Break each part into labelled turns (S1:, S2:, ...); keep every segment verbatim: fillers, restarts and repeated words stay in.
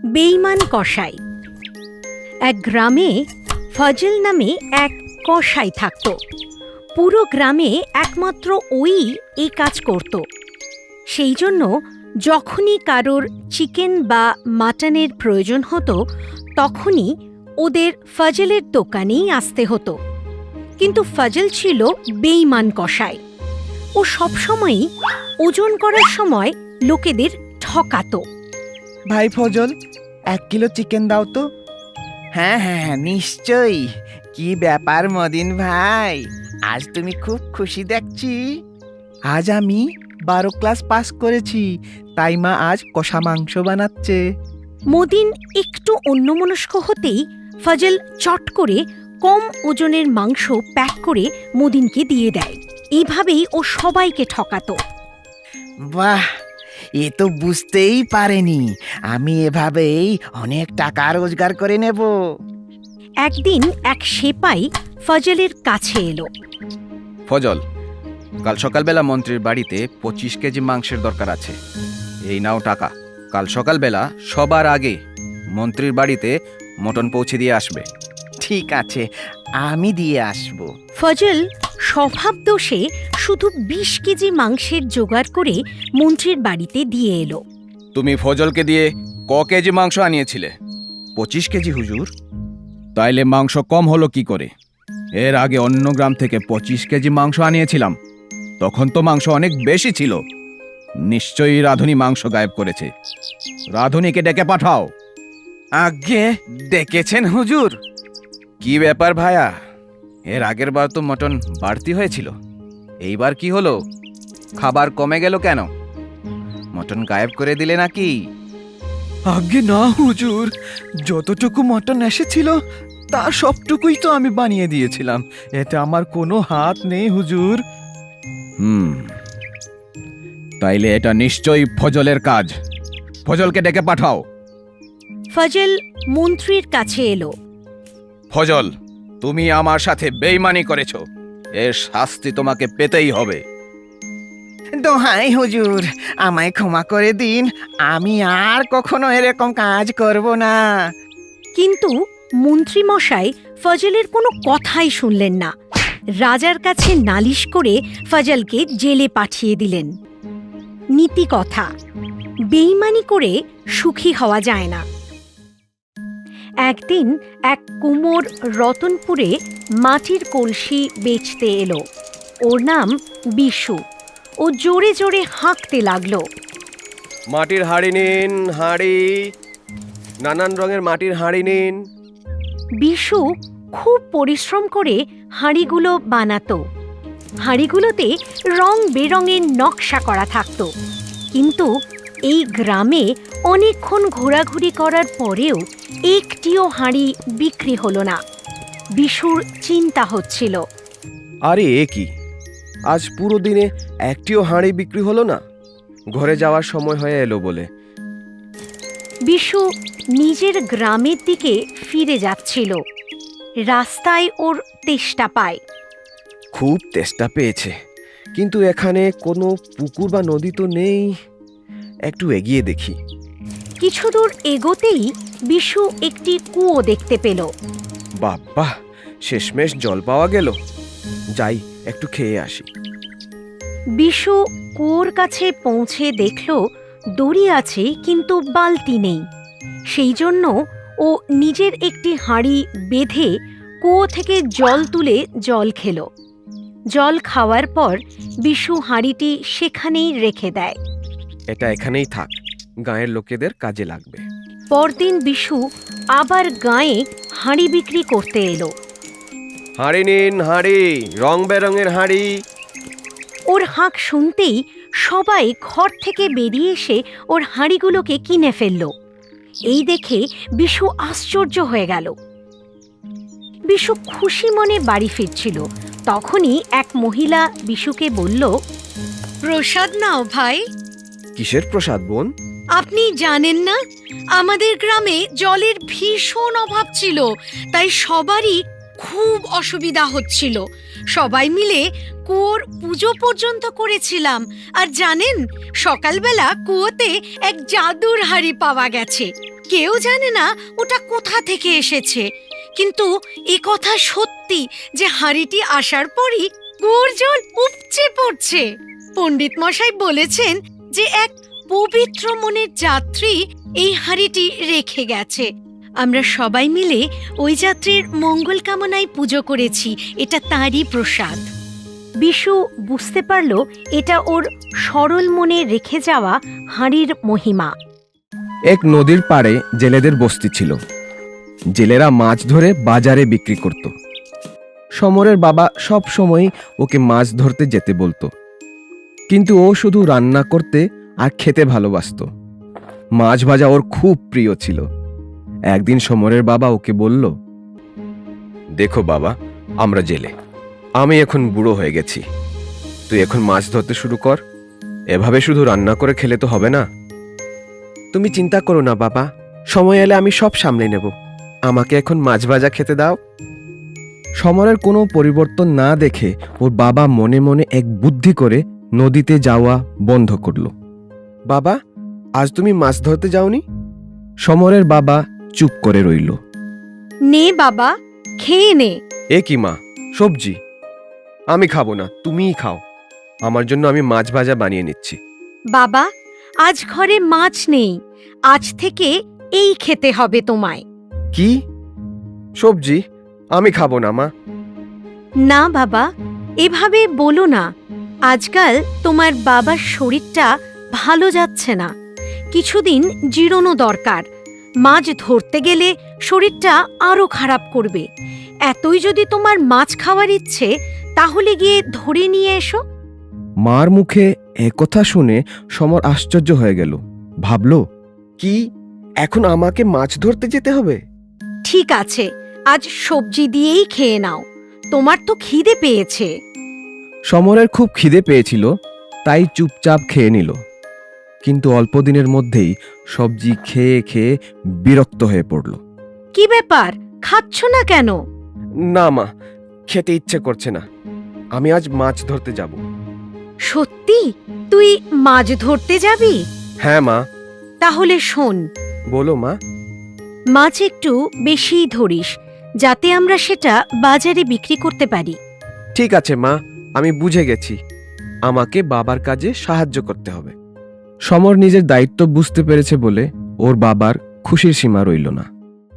S1: বেঈমান কসাই। এক গ্রামে ফজল নামে এক কসাই থাকত। পুরো গ্রামে একমাত্র ওই এই কাজ করত। সেই জন্য যখনই কারোর চিকেন বা মাটনের প্রয়োজন হতো তখনই ওদের ফজলের দোকানেই আসতে হতো। কিন্তু ফজল ছিল বেঈমান কসাই। ও সবসময়ই ওজন করার সময় লোকেদের ঠকাতো।
S2: ভাই ফজল, এক কিলো চিকেন দাও তো। হ্যাঁ হ্যাঁ নিশ্চয়ই। কি ব্যাপার মদিন ভাই, আজ তুমি খুব খুশি দেখছি। আজ আমি বারো ক্লাস পাস করেছি, তাই মা আজ কষা মাংস বানাচ্ছে।
S1: মদিন একটু অন্যমনস্ক হতেই ফজল চট করে কম ওজনের মাংস প্যাক করে মদিনকে দিয়ে দেয়। এইভাবেই ও সবাইকে ঠকাতো।
S2: বাহ, এ তো বুঝতেই পারেনি আমি এভাবেই অনেক টাকা রোজগার করে নেব।
S1: একদিন এক সেপাই ফজলের কাছে এলো।
S3: ফজল, কাল সকালবেলা মন্ত্রীর বাড়িতে পঁচিশ কেজি মাংসের দরকার আছে। এই নাও টাকা। কাল সকালবেলা সবার আগে মন্ত্রীর বাড়িতে মটন পৌঁছে দিয়ে আসবে।
S2: ঠিক আছে, আমি দিয়ে আসব।
S1: ফজল স্বভাব দোষে শুধু বিশ কেজি মাংসের জোগাড় করে মন্ত্রীর বাড়িতে দিয়ে এলো।
S3: তুমি ফজলকে দিয়ে ক কেজি মাংস আনিয়েছিলে? পঁচিশ কেজি হুজুর। তাইলে মাংস কম হলো কি করে? এর আগে অন্য গ্রাম থেকে পঁচিশ কেজি মাংস আনিয়েছিলাম, তখন তো মাংস অনেক বেশি ছিল। নিশ্চয়ই রাধুনি মাংস গায়েব করেছে। রাধুনিকে ডেকে পাঠাও।
S2: আগে ডেকেছেন হুজুর?
S3: কি ব্যাপার ভায়া, এর আগের বার তো মটন বাড়তি হয়েছিল, এইবার কি হলো? খাবার কমে গেল কেন? মটন গায়েব করে দিলে নাকি?
S2: আগে না হুজুর, যতটুকু মটন এসেছিল তার সবটুকুই তো আমি বানিয়ে দিয়েছিলাম। এতে আমার কোনো হাত নেই হুজুর।
S3: হুম, তাইলে এটা নিশ্চয়ই ফজলের কাজ। ফজলকে ডেকে পাঠাও।
S1: ফজল মন্ত্রীর কাছে এলো।
S3: ফজল, তুমি আমার সাথে বেইমানি করেছো, এর শাস্তি তোমাকে পেতেই হবে।
S2: দোহাই হুজুর, আমায় ক্ষমা করে দিন, আমি আর কখনো এরকম কাজ করব না।
S1: কিন্তু মন্ত্রী মশাই ফজলের কোনো কথাই শুনলেন না। রাজার কাছে নালিশ করে ফজলকে জেলে পাঠিয়ে দিলেন। নীতি কথা, বেঈমানি করে সুখী হওয়া যায় না। একদিন এক কুমোর রতনপুরে মাটির কলসি বেচতে এলো। ওর নাম বিশু। ও জোরে জোরে হাঁকতে লাগলো।
S4: মাটির হাঁড়ি নিন, হাঁড়ি, নানান রঙের মাটির হাঁড়ি নিন।
S1: বিশু খুব পরিশ্রম করে হাঁড়িগুলো বানাতো। হাঁড়িগুলোতে রং বেরঙের নকশা করা থাকতো। কিন্তু এই গ্রামে অনেকক্ষণ ঘোরাঘুরি করার পরেও একটিও হাঁড়ি বিক্রি হলো না। বিশুর চিন্তা হচ্ছিল।
S4: আরে এ কি, আজ পুরো দিনে একটিও হাঁড়ি বিক্রি হলো না। ঘরে যাওয়ার সময় হয়ে এলো বলে।
S1: বিশু নিজের গ্রামের দিকে ফিরে যাচ্ছিল। রাস্তায় ওর তেষ্টা পায়।
S4: খুব তেষ্টা পেয়েছে, কিন্তু এখানে কোনো পুকুর বা নদী তো নেই। একটু এগিয়ে দেখি।
S1: কিছু দূর এগোতেই বিশু একটি কুয়ো দেখতে পেল।
S4: বাবা, শেষমেশ জল পাওয়া গেল। যাই, একটু খেয়ে আসি।
S1: বিশু কুয়োর কাছে পৌঁছে দেখল দড়ি আছে কিন্তু বালতি নেই। সেই জন্য ও নিজের একটি হাঁড়ি বেঁধে কুয়ো থেকে জল তুলে জল খেল। জল খাওয়ার পর বিশু হাঁড়িটি সেখানেই রেখে দেয়।
S4: এটা এখানেই থাক, গাঁয়ের লোকেদের কাজে লাগবে।
S1: পরদিন বিশু আবার গাঁয়ে হাঁড়ি বিক্রি করতে এলো।
S4: হাঁড়ি নিন, হাঁড়ি, রং বেরঙের হাঁড়ি।
S1: ওর হাঁক শুনতেই সবাই ঘর থেকে বেরিয়ে এসে ওর হাঁড়িগুলোকে কিনে ফেলল। এই দেখে বিশু আশ্চর্য হয়ে গেল। বিশু খুশি মনে বাড়ি ফিরছিল, তখনই এক মহিলা বিশুকে বলল, প্রসাদ নাও ভাই।
S4: কিসের প্রসাদ বোন?
S1: আপনি জানেন না, আমাদের গ্রামে জলের ভীষণ অভাব ছিল, তাই সবারই খুব অসুবিধা হচ্ছিল। সবাই মিলে কুয়োর পুজো পর্যন্ত করেছিলাম। আর জানেন, সকালবেলা কুয়োতে এক জাদুর হাঁড়ি পাওয়া গেছে। কেউ জানে না ওটা কোথা থেকে এসেছে, কিন্তু এ কথা সত্যি যে হাঁড়িটি আসার পরই কুয়োর জল উপচে পড়ছে। পণ্ডিত মশাই বলেছেন যে এক পবিত্র মনের যাত্রী এই হাঁড়িটি রেখে গেছে। আমরা সবাই মিলে ওই যাত্রীর মঙ্গল কামনায় পুজো করেছি, এটা তারই প্রসাদ। বিশু বুঝতে পারল এটা ওর সরল মনে রেখে যাওয়া হাঁড়ির মহিমা।
S4: এক নদীর পাড়ে জেলেদের বস্তি ছিল। জেলেরা মাছ ধরে বাজারে বিক্রি করত। সমরের বাবা সব সময় ওকে মাছ ধরতে যেতে বলতো, কিন্তু ও শুধু রান্না করতে আর খেতে ভালোবাসতো। মাছ ভাজা ওর খুব প্রিয় ছিল। একদিন সমরের বাবা ওকে বলল, দেখো বাবা, আমরা জেলে, আমি এখন বুড়ো হয়ে গেছি, তুই এখন মাছ ধরতে শুরু কর। এভাবে শুধু রান্না করে খেলে তো হবে না। তুমি চিন্তা করো না বাবা, সময় এলে আমি সব সামলে নেব, আমাকে এখন মাছ ভাজা খেতে দাও। সমরের কোনো পরিবর্তন না দেখে ওর বাবা মনে মনে এক বুদ্ধি করে নদীতে যাওয়া বন্ধ করল। বাবা, আজ তুমি মাছ ধরতে যাওনি? সমরের বাবা চুপ করে রইল।
S1: নে বাবা, খেয়ে নে।
S4: এ কি মা, সবজি আমি খাবো না, তুমিই খাও। আমার জন্য আমি মাছ ভাজা বানিয়ে নিচ্ছি।
S1: বাবা, আজ ঘরে মাছ নেই, আজ থেকে এই খেতে হবে তোমায়।
S4: কি? সবজি আমি খাবো না মা।
S1: না বাবা, এভাবে বলো না। আজকাল তোমার বাবার শরীরটা ভালো যাচ্ছে না, কিছুদিন জিরোনো দরকার। মাছ ধরতে গেলে শরীরটা আরো খারাপ করবে। এতই যদি তোমার মাছ খাওয়ার ইচ্ছে, তাহলে গিয়ে ধরে নিয়ে এসো।
S4: মার মুখে একথা শুনে সমর আশ্চর্য হয়ে গেল। ভাবল, কি এখন আমাকে মাছ ধরতে যেতে হবে?
S1: ঠিক আছে, আজ সবজি দিয়েই খেয়ে নাও, তোমার তো খিদে পেয়েছে।
S4: সমরের খুব খিদে পেয়েছিল, তাই চুপচাপ খেয়ে নিল। কিন্তু অল্প দিনের মধ্যেই সবজি খেয়ে খেয়ে বিরক্ত হয়ে পড়ল।
S1: কি ব্যাপার, খাচ্ছ না কেন?
S4: না মা, খেতে ইচ্ছে করছে না, আমি আজ মাছ ধরতে যাব।
S1: সত্যি তুই মাছ ধরতে যাবি?
S4: হ্যাঁ মা।
S1: তাহলে শোন,
S4: বলো মা।
S1: মাছ একটু বেশিই ধরিস, যাতে আমরা সেটা বাজারে বিক্রি করতে পারি।
S4: ঠিক আছে মা, আমি বুঝে গেছি, আমাকে বাবার কাজে সাহায্য করতে হবে। সমর নিজের দায়িত্ব বুঝতে পেরেছে বলে ওর বাবার খুশির সীমা রইল না।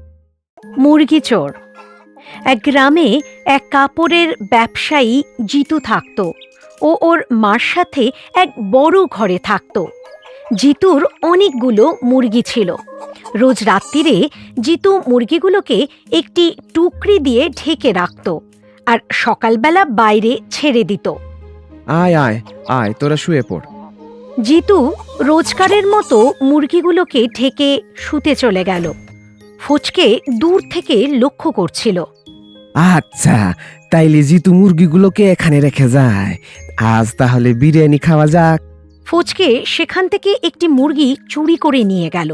S1: মুরগি চোর। এক গ্রামে এক কাপড়ের ব্যবসায়ী জিতু থাকত। ও ওর মার সাথে এক বড় ঘরে থাকত। জিতুর অনেকগুলো মুরগি ছিল। রোজ রাত্রিরে জিতু মুরগিগুলোকে একটি টুকরি দিয়ে ঢেকে রাখত আর সকালবেলা বাইরে ছেড়ে দিত।
S4: আয় আয় আয়, তোরা শুয়ে পড়।
S1: জিতু রোজকারের মতো মুরগিগুলোকে ঢেকে শুতে চলে গেল। ফচকে দূর থেকে লক্ষ্য করছিল।
S4: আচ্ছা, তাইলে জিতু মুরগিগুলোকে এখানে রেখে যায়, আজ তাহলে বিরিয়ানি খাওয়া যাক।
S1: ফচকে সেখান থেকে একটি মুরগি চুরি করে নিয়ে গেল।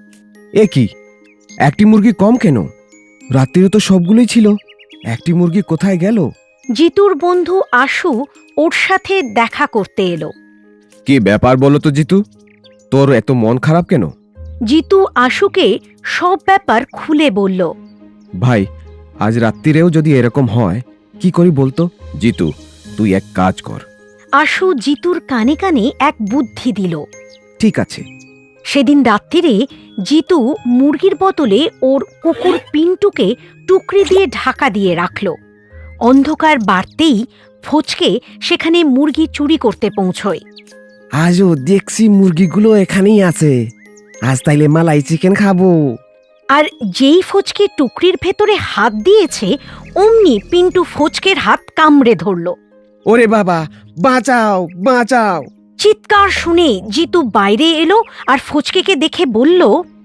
S4: এ কি, একটি মুরগি কম কেন? রাত্রিরে তো সবগুলোই ছিল, একটি মুরগি কোথায় গেল?
S1: জিতুর বন্ধু আশু ওর সাথে দেখা করতে এলো।
S4: কি ব্যাপার বলো তো জিতু, তোর এত মন খারাপ কেন?
S1: জিতু আশুকে সব ব্যাপার খুলে বলল।
S4: ভাই, আজ রাত্রিরেও যদি এরকম হয় কি করি বলতো? জিতু, তুই এক কাজ কর।
S1: আশু জিতুর কানে কানে এক বুদ্ধি দিল।
S4: ঠিক আছে।
S1: সেদিন রাত্রিরে জিতু মুরগির বদলে ওর কুকুর পিন্টুকে টুকরি দিয়ে ঢাকা দিয়ে রাখল। অন্ধকার বাড়তেই ফচকে সেখানে মুরগি চুরি করতে পৌঁছয়।
S4: আজও দেখছি মুরগিগুলো এখানেই আছে, আজ তাইলে মালাই চিকেন খাবো।
S1: আর যেই ফচকে টুকরির ভেতরে হাত দিয়েছে, অমনি পিন্টু ফচকের হাত কামড়ে ধরল।
S4: ওরে বাবা, বাঁচাও বাঁচাও!
S1: চিৎকার শুনে জিতু বাইরে এলো আর ফচকেকে দেখে বলল,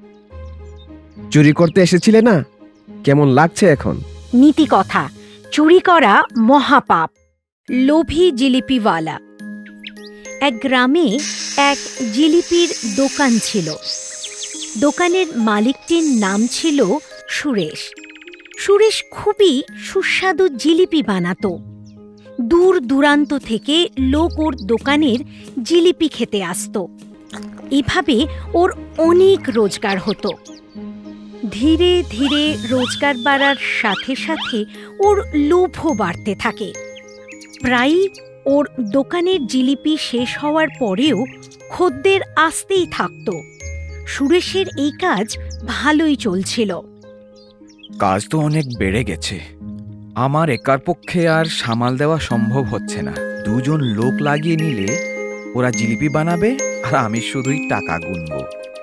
S4: চুরি করতে এসেছিলে না? কেমন লাগছে এখন?
S1: নীতি কথা, চুরি করা মহাপাপ। লোভী জিলিপিওয়ালা। এক গ্রামে এক জিলিপির দোকান ছিল। দোকানের মালিকটির নাম ছিল সুরেশ। সুরেশ খুবই সুস্বাদু জিলিপি বানাতো। দূর দূরান্ত থেকে লোক ওর দোকানের জিলিপি খেতে আসতো। এভাবে ওর অনেক রোজগার হতো। ধীরে ধীরে রোজগার বাড়ার সাথে সাথে ওর লোভও বাড়তে থাকে। প্রায়ই ওর দোকানের জিলিপি শেষ হওয়ার পরেও খদ্দের আসতেই থাকত। সুরেশের এই কাজ ভালোই চলছিল।
S3: কাজ তো অনেক বেড়ে গেছে, আমার একার পক্ষে আর সামাল দেওয়া সম্ভব হচ্ছে না। দুজন লোক লাগিয়ে নিলে ওরা জিলিপি বানাবে আর আমি শুধুই টাকা গুনবো।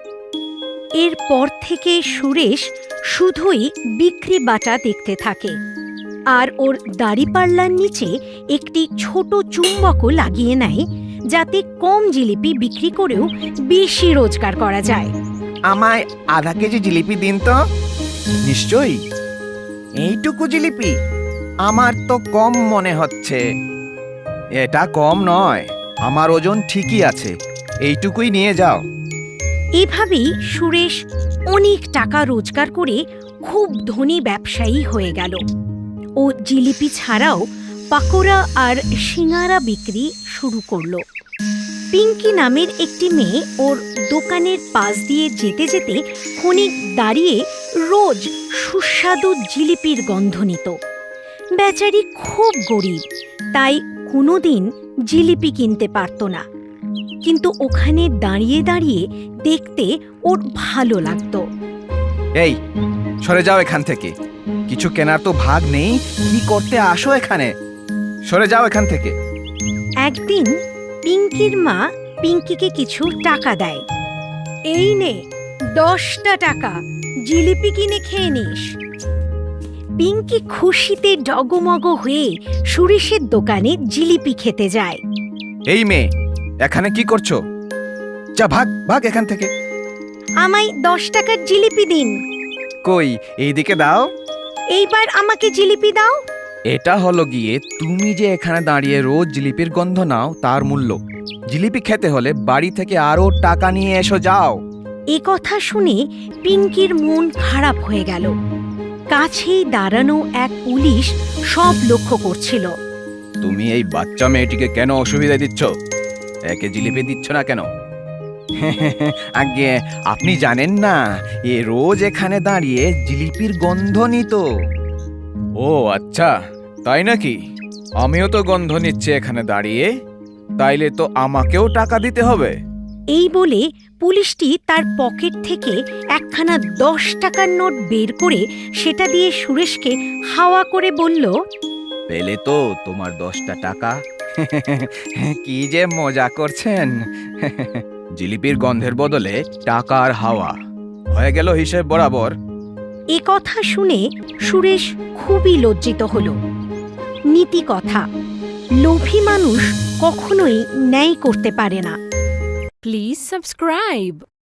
S1: এরপর থেকে সুরেশ শুধুই বিক্রি বাটা দেখতে থাকে, আর ওর দাড়িপাল্লার নিচে একটি ছোট চুম্বকও লাগিয়ে নেয়, যাতে কম জিলিপি বিক্রি করেও বেশি রোজগার করা যায়।
S2: আমায় আধা কেজি জিলিপি দিন তো।
S3: নিশ্চয়ই।
S2: এইটুকু জিলিপি আমার তো কম মনে হচ্ছে।
S3: এটা কম নয়, আমার ওজন ঠিকই আছে, এইটুকুই নিয়ে যাও।
S1: এভাবেই সুরেশ অনেক টাকা রোজগার করে খুব ধনী ব্যবসায়ী হয়ে গেল। ও জিলিপি ছাড়াও পাকোড়া আর সিঙারা বিক্রি শুরু করলো। পিঙ্কি নামের একটি মেয়ে ওর দোকানের পাশ দিয়ে যেতে যেতে ক্ষণিক দাঁড়িয়ে রোজ সুস্বাদু জিলিপির গন্ধ নিত। বেচারি খুব গরিব, তাই কোনোদিন জিলিপি কিনতে পারত না, কিন্তু ওখানে দাঁড়িয়ে দাঁড়িয়ে দেখতে ওর ভালো লাগতো।
S3: এই, সরে যাও এখান থেকে, কিছু কেনার তো ভাগ নেই, কি করতে আসো এখানে? সরে যাও এখান থেকে।
S1: একদিন পিঙ্কির মা পিঙ্কিকে কিছু টাকা দেয়। এই নে দশটা টাকা, জিলিপি কিনে খেয়ে নিস। পিঙ্কি খুশিতে ডগমগ হয়ে সুরেশের দোকানে জিলিপি খেতে যায়।
S3: এই মেয়ে, এখানে কি করছো? যা, ভাগ ভাগ এখান থেকে।
S1: আমায় দশ টাকার জিলিপি দিন।
S3: কই, এইদিকে দাও।
S1: এইবার আমাকে জিলিপি দাও।
S3: এটা হলো গিয়ে তুমি যে এখানে দাঁড়িয়ে রোজ জিলিপির গন্ধ নাও তার মূল্য। জিলিপি খেতে হলে বাড়ি থেকে আরো টাকা নিয়ে এসো, যাও।
S1: এ কথা শুনে পিঙ্কির মন খারাপ হয়ে গেল। কাছেই দাঁড়ানো এক পুলিশ সব লক্ষ্য করছিল।
S3: তুমি এই বাচ্চা মেয়েটিকে কেন অসুবিধা দিচ্ছ? একে জিলিপি দিচ্ছ না কেন?
S2: আগে আপনি জানেন না, এ রোজ এখানে দাঁড়িয়ে জিলিপির গন্ধ নিত।
S3: ও আচ্ছা, তাই নাকি? আমিও তো গন্ধ নিচ্ছি এখানে দাঁড়িয়ে, তাইলে তো আমাকেও টাকা দিতে হবে।
S1: এই বলে পুলিশটি তার পকেট থেকে একখানা দশ টাকার নোট বের করে সেটা দিয়ে সুরেশকে হাওয়া করে বলল,
S3: পেলে তো তোমার দশটা টাকা।
S2: কি যে মজা করছেন।
S3: জিলিপির গন্ধের বদলে টাকা আর হাওয়া হয়ে গেল হিসেব বরাবর।
S1: এ কথা শুনে সুরেশ খুবই লজ্জিত হল। নীতি কথা, লোভী মানুষ কখনোই ন্যায় করতে পারে না।
S5: Please subscribe.